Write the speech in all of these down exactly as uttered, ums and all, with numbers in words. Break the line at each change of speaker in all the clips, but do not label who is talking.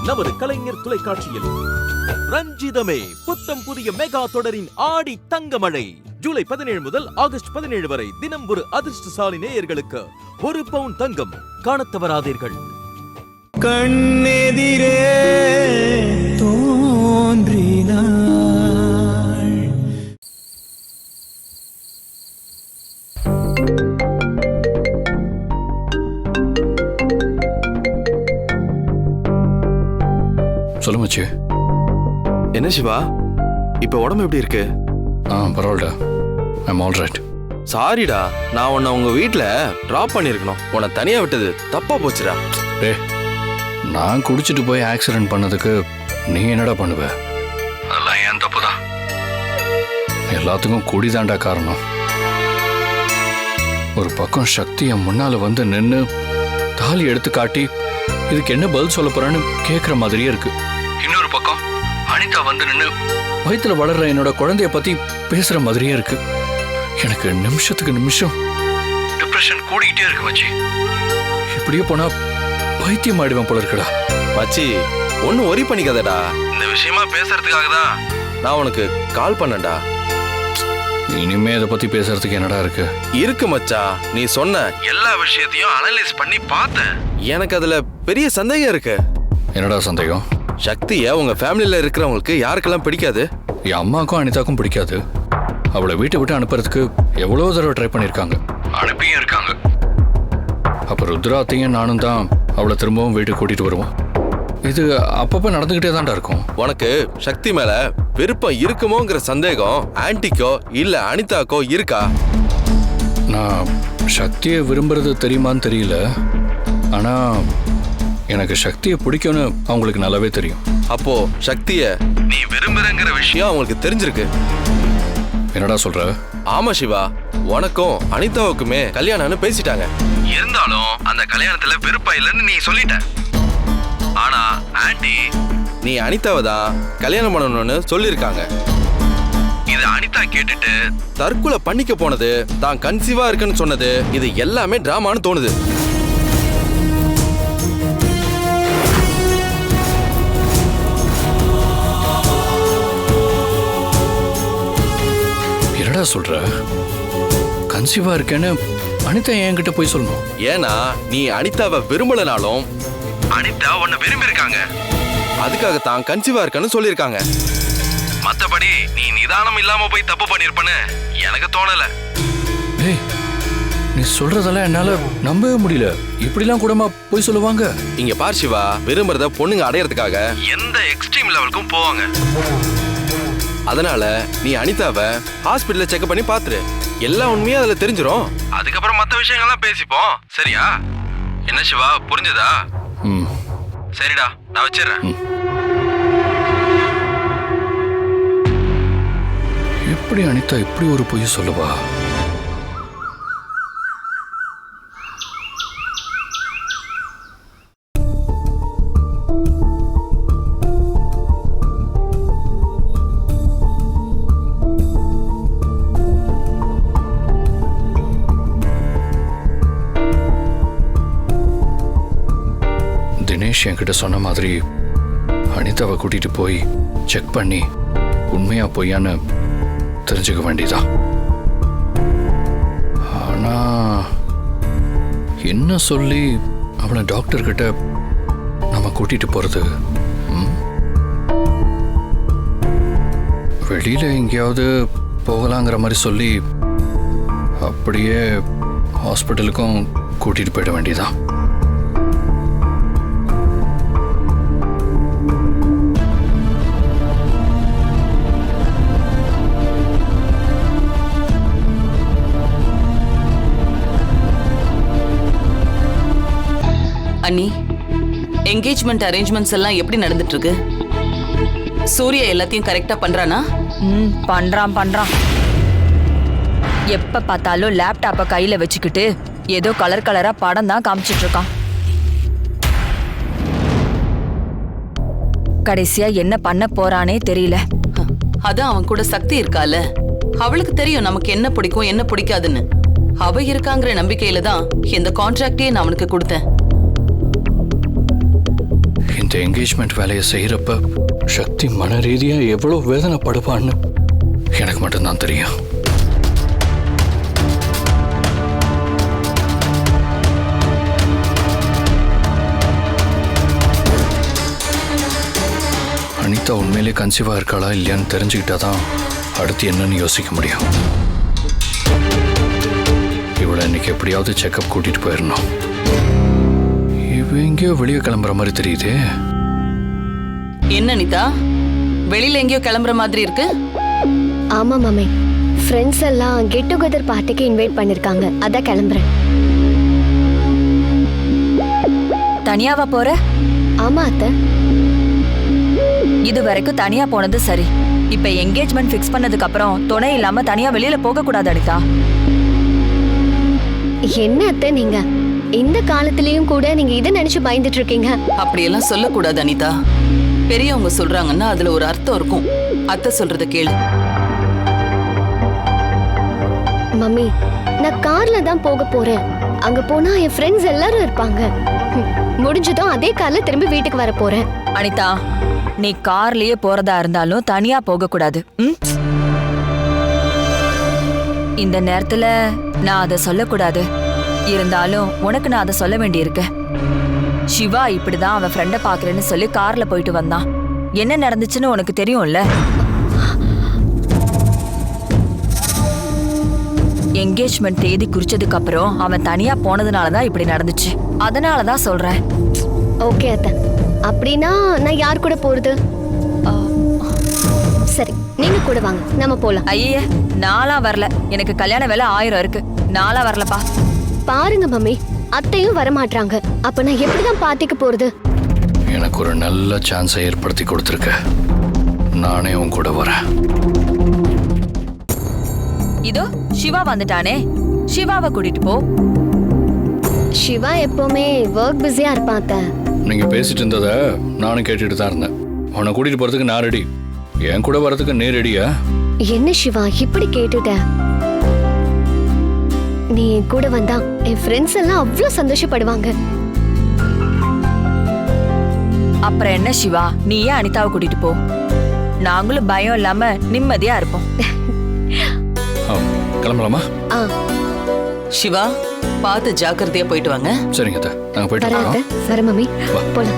நமது கலைஞர் தொலைக்காட்சியில் ரஞ்சிதமே புத்தம் புதிய மெகா தொடரின் ஆடி தங்கமழை ஜூலை பதினேழு முதல் ஆகஸ்ட் பதினேழு வரை தினம் ஒரு அதிர்ஷ்டசாலி நேயர்களுக்கு ஒரு பவுன் தங்கம் காணத் தவறாதீர்கள்.
கண்ணெதிரே தோன்றினாள்.
சொல்லு மச்சி.
என்ன சிவா, இப்ப உடம்பு எப்படி இருக்கு?
ஆ பரவாயில்ல, ஐம் ஆல் ரைட்.
சாரிடா, நான் உன்னை உங்க வீட்டுல டிராப் பண்ணிருக்கணும். உன்னை தனியா விட்டது தப்பா போச்சுடா.
டே, நான் குடிச்சிட்டு போய் ஆக்சிடென்ட் பண்ணதுக்கு நீ என்னடா பண்ணுவ? அதெல்லாம் ஏன் தப்பு தான். எல்லாத்துக்கும் குடிதாண்டா காரணம். ஒரு பக்கம் சக்தி என் முன்னால வந்து நின்று தாலி எடுத்து காட்டி இதுக்கு என்ன பதில் சொல்ல போறான்னு கேட்குற மாதிரியே இருக்கு. இன்னொரு பக்கம் அனிதா வந்து நின்று வயிற்றுல வளர்ற என்னோட குழந்தைய பத்தி பேசுற மாதிரியே இருக்கு. எனக்கு நிமிஷத்துக்கு நிமிஷம் டிப்ரெஷன் கூடிக்கிட்டே இருக்கு மச்சி. இப்படியே போனா பைத்தியம் ஆயிடுவேன் போல இருக்குடா.
மச்சி, ஒன்னும் ஒரி பண்ணிக்காதடா. இந்த விஷயமா பேசுறதுக்காக தான் நான் உனக்கு கால் பண்ணேன்டா.
இனிமே இதை பத்தி பேசுறதுக்கு என்னடா இருக்கு?
இருக்கு மச்சா, நீ சொன்ன எல்லா விஷயத்தையும் அனலைஸ் பண்ணி பார்த்தேன். எனக்கு அதுல பெரிய சந்தேகம் இருக்கு.
என்னடா சந்தேகம்?
சக்திய உங்க ஃபேமிலியில இருக்கிறவங்களுக்கு யாருக்கெல்லாம் பிடிக்காது?
என் அம்மாக்கும் அனிதாக்கும் பிடிக்காது. அவளை வீட்டை விட்டு அனுப்புறதுக்கு எவ்வளோ தடவை ட்ரை பண்ணியிருக்காங்க, அனுப்பியும் இருக்காங்க. அப்போ ருத்ராத்தையும் நானும் தான் அவளை திரும்பவும் வீட்டுக்கு கூட்டிட்டு வருவோம். இது அப்பப்போ நடந்துகிட்டே தான்டா இருக்கும்.
உனக்கு சக்தி மேல விருப்பம் இருக்குமோங்கிற சந்தேகம் ஆன்டிக்கோ இல்ல அனிதாக்கோ இருக்கா?
நான் சக்தியை விரும்புறது தெரியுமான்னு தெரியல, ஆனா எனக்கு சக்தியை பிடிக்கும்னு அவங்களுக்கு நல்லாவே தெரியும்.
அப்போ சக்திய நீ விரும்புறங்கிற விஷயம் அவங்களுக்கு தெரிஞ்சிருக்கு.
என்னடா சொல்ற?
ஆமா சிவா, உனக்கும் அனிதாவுக்குமே கல்யாணம்னு பேசிட்டாங்க. இருந்தாலும் அந்த கல்யாணத்துல விருப்பம் இல்லைன்னு நீ சொல்லிட்ட. ஆனா ஆண்டி நீ அனிதாவை தான் கல்யாணம் பண்ணணும்னு சொல்லியிருக்காங்க. இது அனிதா கேட்டுட்டு தற்கொலை பண்ணிக்க போனது, தான் கன்சீவா இருக்குன்னு சொன்னது, இது எல்லாமே டிராமான்னு தோணுது.
என்னடா சொல்ற? கன்சீவா இருக்கேன்னு அனிதா என்கிட்ட போய் சொல்லணும்?
ஏன்னா நீ அனிதாவை விரும்பலனாலும் அனிதா உன்னை விரும்பி இருக்காங்க. அதுக்காக தான் கன்சீவா இருக்கன்னு சொல்லியிருக்காங்க. மத்தபடி நீ நிதானம் இல்லாம போய் தப்பு பண்ணிருப்பன்னு எனக்கு தோணல.
டேய், நீ சொல்றதெல்லாம் என்னால நம்பவே முடியல. இப்படிலாம் கூடமா போய் சொல்லுவாங்க?
இங்க பார் சிவா, விரும்புறத பொண்ணுங்க அடையறதுக்காக எந்த எக்ஸ்ட்ரீம் லெவலுக்கும் போவாங்க. அதனால நீ அனிதாவை ஹாஸ்பிட்டல்ல செக் பண்ணி பாத்துரு. எல்லா உண்மையும் அதுல தெரிஞ்சிரும். அதுக்கப்புறம் மத்த விஷயங்கள்லாம் பேசிப்போம், சரியா? என்ன சிவா, புரிஞ்சதா?
ம்,
சரிடா, நான் வச்சிடுறேன்.
எப்படி அனிதா இப்படி ஒரு பொய் சொல்லுவா? தினேஷ் என்கிட்ட சொன்ன மாதிரி அனிதாவை கூட்டிட்டு போய் செக் பண்ணி உண்மையா பொய்யான்னு தெரிஞ்சுக்க வேண்டியதான். ஆனா என்ன சொல்லி அவளை டாக்டர் கிட்ட நம்ம கூட்டிட்டு போறது? வெளியில எங்கேயாவது போகலாங்கிற மாதிரி சொல்லி அப்படியே ஹாஸ்பிட்டலுக்கும் கூட்டிட்டு போயிட வேண்டியதான்.
அண்ணி, என்கேஜ்மெண்ட் அரேஞ்ச்மெண்ட்ஸ் எல்லாம் எப்படி நடந்துட்டு இருக்கு? சூர்யா எல்லாத்தையும் கரெக்டா பண்றானா?
ம் பண்றான் பண்றான். எப்ப பார்த்தாலும் லேப்டாப்பை கையில வச்சுக்கிட்டு ஏதோ கலர் கலரா படம் தான் காமிச்சிட்டு இருக்கான். கடைசியா என்ன பண்ண போறானே தெரியல.
அதான் அவன் கூட சக்தி இருக்கால, அவளுக்கு தெரியும் நமக்கு என்ன பிடிக்கும் என்ன பிடிக்காதுன்னு. அவ இருக்காங்கிற நம்பிக்கையில தான் இந்த கான்ட்ராக்டே நான் அவனுக்கு கொடுத்தேன்.
இந்த என்கேஜ்மெண்ட் வேலையை செய்யறப்ப சக்தி மன ரீதியா எவ்வளவு வேதனைப்படுவான்னு எனக்கு மட்டும்தான் தெரியும். அனிதா உண்மையிலே கன்சீவா இருக்காளா இல்லையான்னு தெரிஞ்சுக்கிட்டாதான் அடுத்து என்னன்னு யோசிக்க முடியும். இவளை இன்னைக்கு எப்படியாவது செக்அப் கூட்டிட்டு போயிடணும். இவ எங்கேயோ வெளியே கிளம்புற மாதிரி தெரியுது.
என்ன அனிதா, வெளியில எங்கேயோ கிளம்புற மாதிரி இருக்கு?
ஆமா மாமி, ஃப்ரெண்ட்ஸ் எல்லாம் கெட் டுகெதர் பார்ட்டிக்கு இன்வைட் பண்ணிருக்காங்க, அதான் கிளம்புறேன்.
தனியாவா போற?
ஆமா அத்தை.
இது வரைக்கும் தனியா போனது சரி. இப்ப என்கேஜ்மெண்ட் ஃபிக்ஸ் பண்ணதுக்கு அப்புறம் துணை இல்லாம தனியா வெளியில போக கூடாது அனிதா.
என்ன அத்தை நீங்க இந்த காலத்திலயும் கூட நீங்க இதை நினைச்சு பயந்துட்டு இருக்கீங்க?
அப்படியெல்லாம் சொல்லக்கூடாது அனிதா. பெரியவங்க சொல்றாங்கன்னா அதுல ஒரு அர்த்தம் இருக்கும். அத்தை சொல்றத கேளு.
மம்மி, நான் கார்ல தான் போக போறேன். அங்க போனா என் ஃப்ரெண்ட்ஸ் எல்லாரும் இருப்பாங்க. ஹம், முடிஞ்சதும் அதே கார்ல திரும்பி வீட்டுக்கு வர போறேன்.
அனிதா, நீ கார்லயே போறதா இருந்தாலும் தனியா போக கூடாது. ம்? இந்த நேரத்துல நான் அதை சொல்லக்கூடாது. இருந்தாலும் உனக்கு நான் அதை சொல்ல வேண்டியிருக்கு. சிவா இப்படிதான் அவன் ஃப்ரெண்ட பாக்குறேன்னு சொல்லி கார்ல போயிட்டு வந்தான். என்ன நடந்துச்சுன்னு உனக்கு தெரியும்ல? என்கேஜ்மெண்ட் தேதி குறிச்சதுக்கு அப்புறம் அவன் தனியா போனதுனாலதான் இப்படி நடந்துச்சு. அதனாலதான் சொல்றேன்.
ஓகே அத்தை, அப்படின்னா நான் யார் கூட போறது? ஆ, சரி, நீங்க கூட வாங்க, நம்ம போலாம்.
ஐயே, நாளா வரல. எனக்கு கல்யாண வேலை ஆயிரம் இருக்கு. நாளா வரலப்பா.
பாருங்க மம்மி, அத்தையும் வர மாட்டாங்க. அப்ப நான் எப்படிதான் பார்ட்டிக்கு போறது?
எனக்கு ஒரு நல்ல சான்ஸை ஏற்படுத்தி கொடுத்துருக்க. நானே உன் கூட வரேன்.
இதோ சிவா வந்துட்டானே, சிவாவை கூட்டிட்டு போ.
சிவா எப்பவுமே ஒர்க் பிஸியா இருப்பான் அத்தை.
நீங்க பேசிட்டு இருந்தத நானும் கேட்டுட்டு தான் இருந்தேன். உன்னை கூட்டிட்டு போறதுக்கு நான் ரெடி. என் கூட வரதுக்கு நீ ரெடியா?
என்ன சிவா இப்படி கேட்டுட்ட? நீ என் கூட வந்தா என் ஃப்ரெண்ட்ஸ் எல்லாம் அவ்வளவு சந்தோஷப்படுவாங்க.
அப்புறம் என்ன சிவா, நீ ஏன் அனிதாவை கூட்டிட்டு போ. நாங்களும் பயம் இல்லாம நிம்மதியா இருப்போம்.
ஆ, கிளம்பலாமா?
ஆ,
சிவா, பார்த்து ஜாக்கிரதையா போயிட்டு வாங்க.
சரிங்க அத்தை, நாங்க போயிட்டு
வர அத்தை,
வரோம்.
வர மம்மி, போலாம்.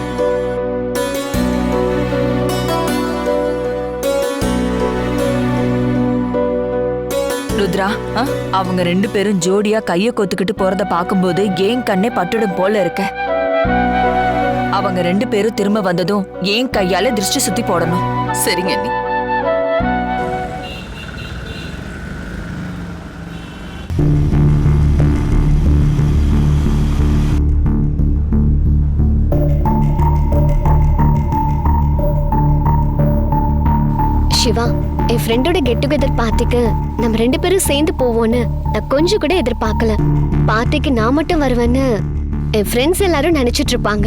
ருத்ரா, ஆ, அவங்க ரெண்டு பேரும் ஜோடியா கைய கோத்துக்கிட்டு போறத பாக்கும்போது ஏன் கண்ணே பட்டுடும் போல இருக்க. அவங்க ரெண்டு பேரும் திரும்ப வந்ததும் ஏன் கையால திருஷ்டி சுத்தி போடணும்.
சரிங்க அண்ணி.
சிவா, என் ஃப்ரெண்டோட கெட் டுகெதர் பார்ட்டிக்கு நம்ம ரெண்டு பேரும் சேர்ந்து போவோன்னு நான் கொஞ்சம் கூட எதிர்பார்க்கல. பார்ட்டிக்கு நான் மட்டும் வருவேன்னு என் ஃப்ரெண்ட்ஸ் எல்லாரும் நினைச்சிட்டு இருப்பாங்க.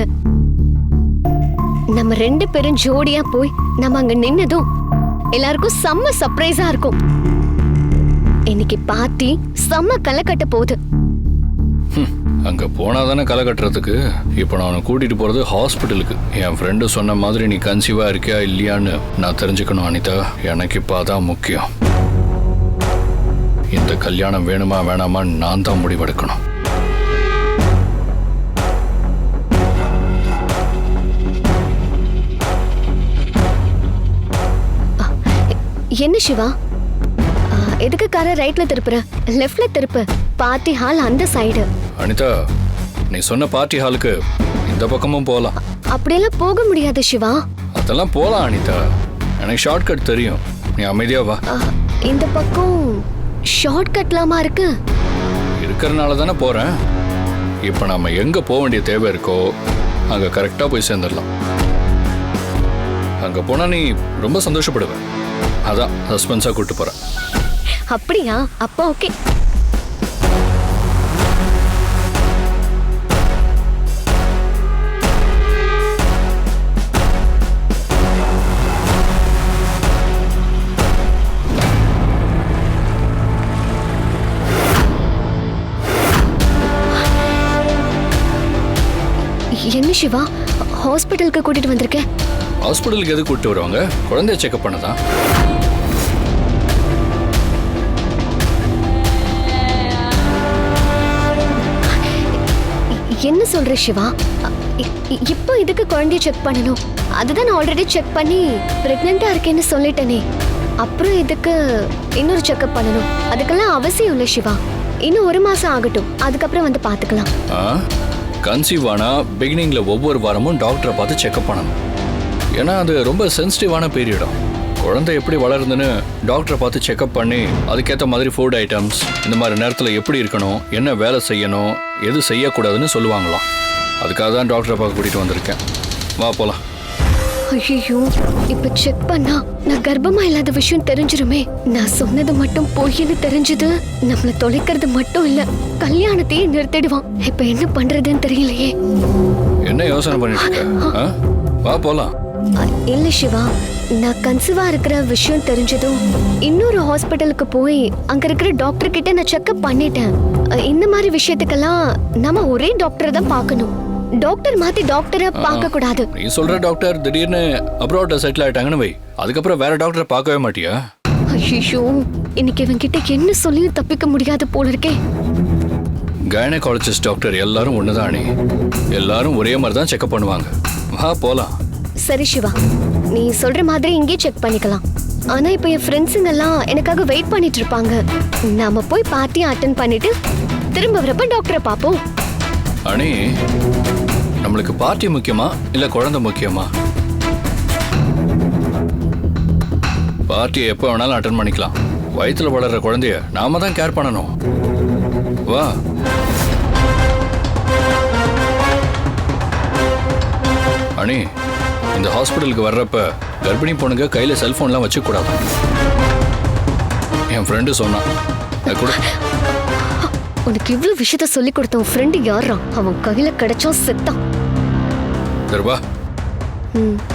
நம்ம ரெண்டு பேரும் ஜோடியா போய் நம்ம அங்க நின்னதும் எல்லாருக்கும் செம்ம சர்ப்ரைஸா இருக்கும். இன்னைக்கு பார்ட்டி செம்ம களை கட்ட போகுது.
அங்க போனாதானே களை கட்டுறதுக்கு. இப்போ நான் உன்னை கூட்டிட்டு போறது ஹாஸ்பிட்டலுக்கு. என் ஃப்ரெண்டு சொன்ன மாதிரி நீ கன்சீவா இருக்கியா இல்லையான்னு நான் தெரிஞ்சுக்கணும் அனிதா. எனக்கு இப்போ அதான் முக்கியம். இந்த கல்யாணம் வேணுமா வேணாமான்னு நான் தான் முடிவெடுக்கணும்.
என்ன சிவா, ஆ, எதுக்கு காரை ரைட்ல திருப்புற? லெஃப்ட்ல திருப்பு. பார்ட்டி ஹால் அந்த சைடு.
அனிதா, நீ சொன்ன பார்ட்டி ஹாலுக்கு இந்த பக்கமும் போகலாம்.
அப்படியெல்லாம் போக முடியாது சிவா.
அதெல்லாம் போகலாம் அனிதா, எனக்கு ஷார்ட்கட் தெரியும். நீ அமைதியா வா.
ஆ, இந்த பக்கம் ஷார்ட் கட்லாமா இருக்கு?
இருக்கிறனால தானே போறேன். இப்போ நம்ம எங்க போக வேண்டிய தேவை இருக்கோ அங்க கரெக்டா போய் சேர்ந்துடலாம். அங்க போனா நீ ரொம்ப சந்தோஷப்படுவ. அதான் சஸ்பென்ஸா கூட்டு போறேன்.
அப்படியா? அப்போ ஓகே. என்ன சிவா, ஹாஸ்பிட்டலுக்கு கூட்டிட்டு வந்திருக்கேன்.
ஹாஸ்பிட்டலுக்கு எது கூப்பிட்டு வருவாங்க? குழந்தைய செக்அப் பண்ணதான்.
என்ன சொல்ற சிவா? இ- இ- இப்போ இதுக்கு குழந்தைய செக் பண்ணணும்? அதுதான் நான் ஆல்ரெடி செக் பண்ணி பிரெக்னெண்டா இருக்கேன்னு சொல்லிட்டேனே. அப்புறம் இதுக்கு இன்னொரு செக்அப் பண்ணணும்? அதுக்கெல்லாம் அவசியம் இல்லை சிவா. இன்னும் ஒரு மாசம் ஆகட்டும், அதுக்கப்புறம் வந்து பாத்துக்கலாம்.
கன்சீவ் ஆனா பிகினிங்ல ஒவ்வொரு வாரமும் டாக்டரை பார்த்து செக்அப் பண்ணணும். ஏன்னா அது ரொம்ப சென்சிட்டிவான பீரியடும். குழந்தை எப்படி வளருதுன்னு டாக்டரை பார்த்து செக்அப் பண்ணி அதுக்கேற்ற மாதிரி ஃபுட் ஐட்டம்ஸ் இந்த மாதிரி நேரத்தில் எப்படி இருக்கணும், என்ன வேலை செய்யணும், எது செய்யக்கூடாதுன்னு சொல்லுவாங்களாம். அதுக்காக தான் டாக்டரை பார்க்க கூட்டிகிட்டு வந்திருக்கேன். வா போகலாம்.
ஐயோ, இப்ப செக் பண்ணா நான் கர்ப்பமா இல்லாத விஷயம் தெரிஞ்சிருமே. நான் சொன்னது மட்டும் பொய்ன்னு தெரிஞ்சது நம்மள தொலைக்கிறது மட்டும் இல்ல, கல்யாணத்தையே நிறுத்திடுவான். இப்ப என்ன பண்றதுன்னு தெரியலையே.
என்ன யோசனை பண்ணிட்டு இருக்க? ஆ? வா போகலாம்.
அ, இல்ல சிவா, நான் கன்சீவா இருக்கிற விஷயம் தெரிஞ்சதும் இன்னொரு ஹாஸ்பிட்டலுக்கு போய் அங்க இருக்கிற டாக்டர் கிட்ட நான் செக்அப் பண்ணிட்டேன். அ, இந்த மாதிரி விஷயத்துக்கெல்லாம் நம்ம ஒரே டாக்டரை தான் பார்க்கணும். டாக்டர் மாத்தி டாக்டரை பார்க்க கூடாது.
நீ சொல்ற டாக்டர் திடீர்னு அப்ராட்ல செட்டில் ஆயிட்டாங்கன்னு வை, அதுக்கப்புறம் வேற டாக்டரை பார்க்கவே மாட்டியா?
ஐயோ, இன்னைக்கு இவன்கிட்ட என்ன சொல்லியும் தப்பிக்க முடியாது போல இருக்கே.
கைனகாலஜிஸ்ட் டாக்டர் எல்லாரும் ஒண்ணுதான் அணி. எல்லாரும் ஒரே மாதிரி தான் செக்அப் பண்ணுவாங்க. வா போலாம்.
சரி சிவா, நீ சொல்ற மாதிரி இங்கே செக் பண்ணிக்கலாம். ஆனா இப்ப என் ஃப்ரெண்ட்ஸுங்க எல்லாம் எனக்காக வெயிட் பண்ணிட்டு இருப்பாங்க. நாம போய் பார்ட்டி அட்டென்ட் பண்ணிட்டு திரும்ப வரப்ப டாக்டரை பார்ப்போம்.
அணி, நம்மளுக்கு பார்ட்டி முக்கியமா இல்ல குழந்தை முக்கியமா? பார்ட்டியை எப்போ வேணாலும் அட்டன் பண்ணிக்கலாம். வயிற்றுல வளர்ற குழந்தைய நாம தான் கேர் பண்ணணும். வா. அணி, இந்த ஹாஸ்பிட்டலுக்கு வர்றப்ப கர்ப்பிணி பொண்ணுங்க கையில செல்போன்லாம் வச்சுக்க கூடாது. என் ஃப்ரெண்டு சொன்னான். அது கூட
உனக்கு இவ்வளவு விஷயத்த சொல்லி கொடுத்த உன் ஃப்ரெண்டு யாரா? அவன் கையில கிடைச்சா செத்தான்.
சரி வா.
ம்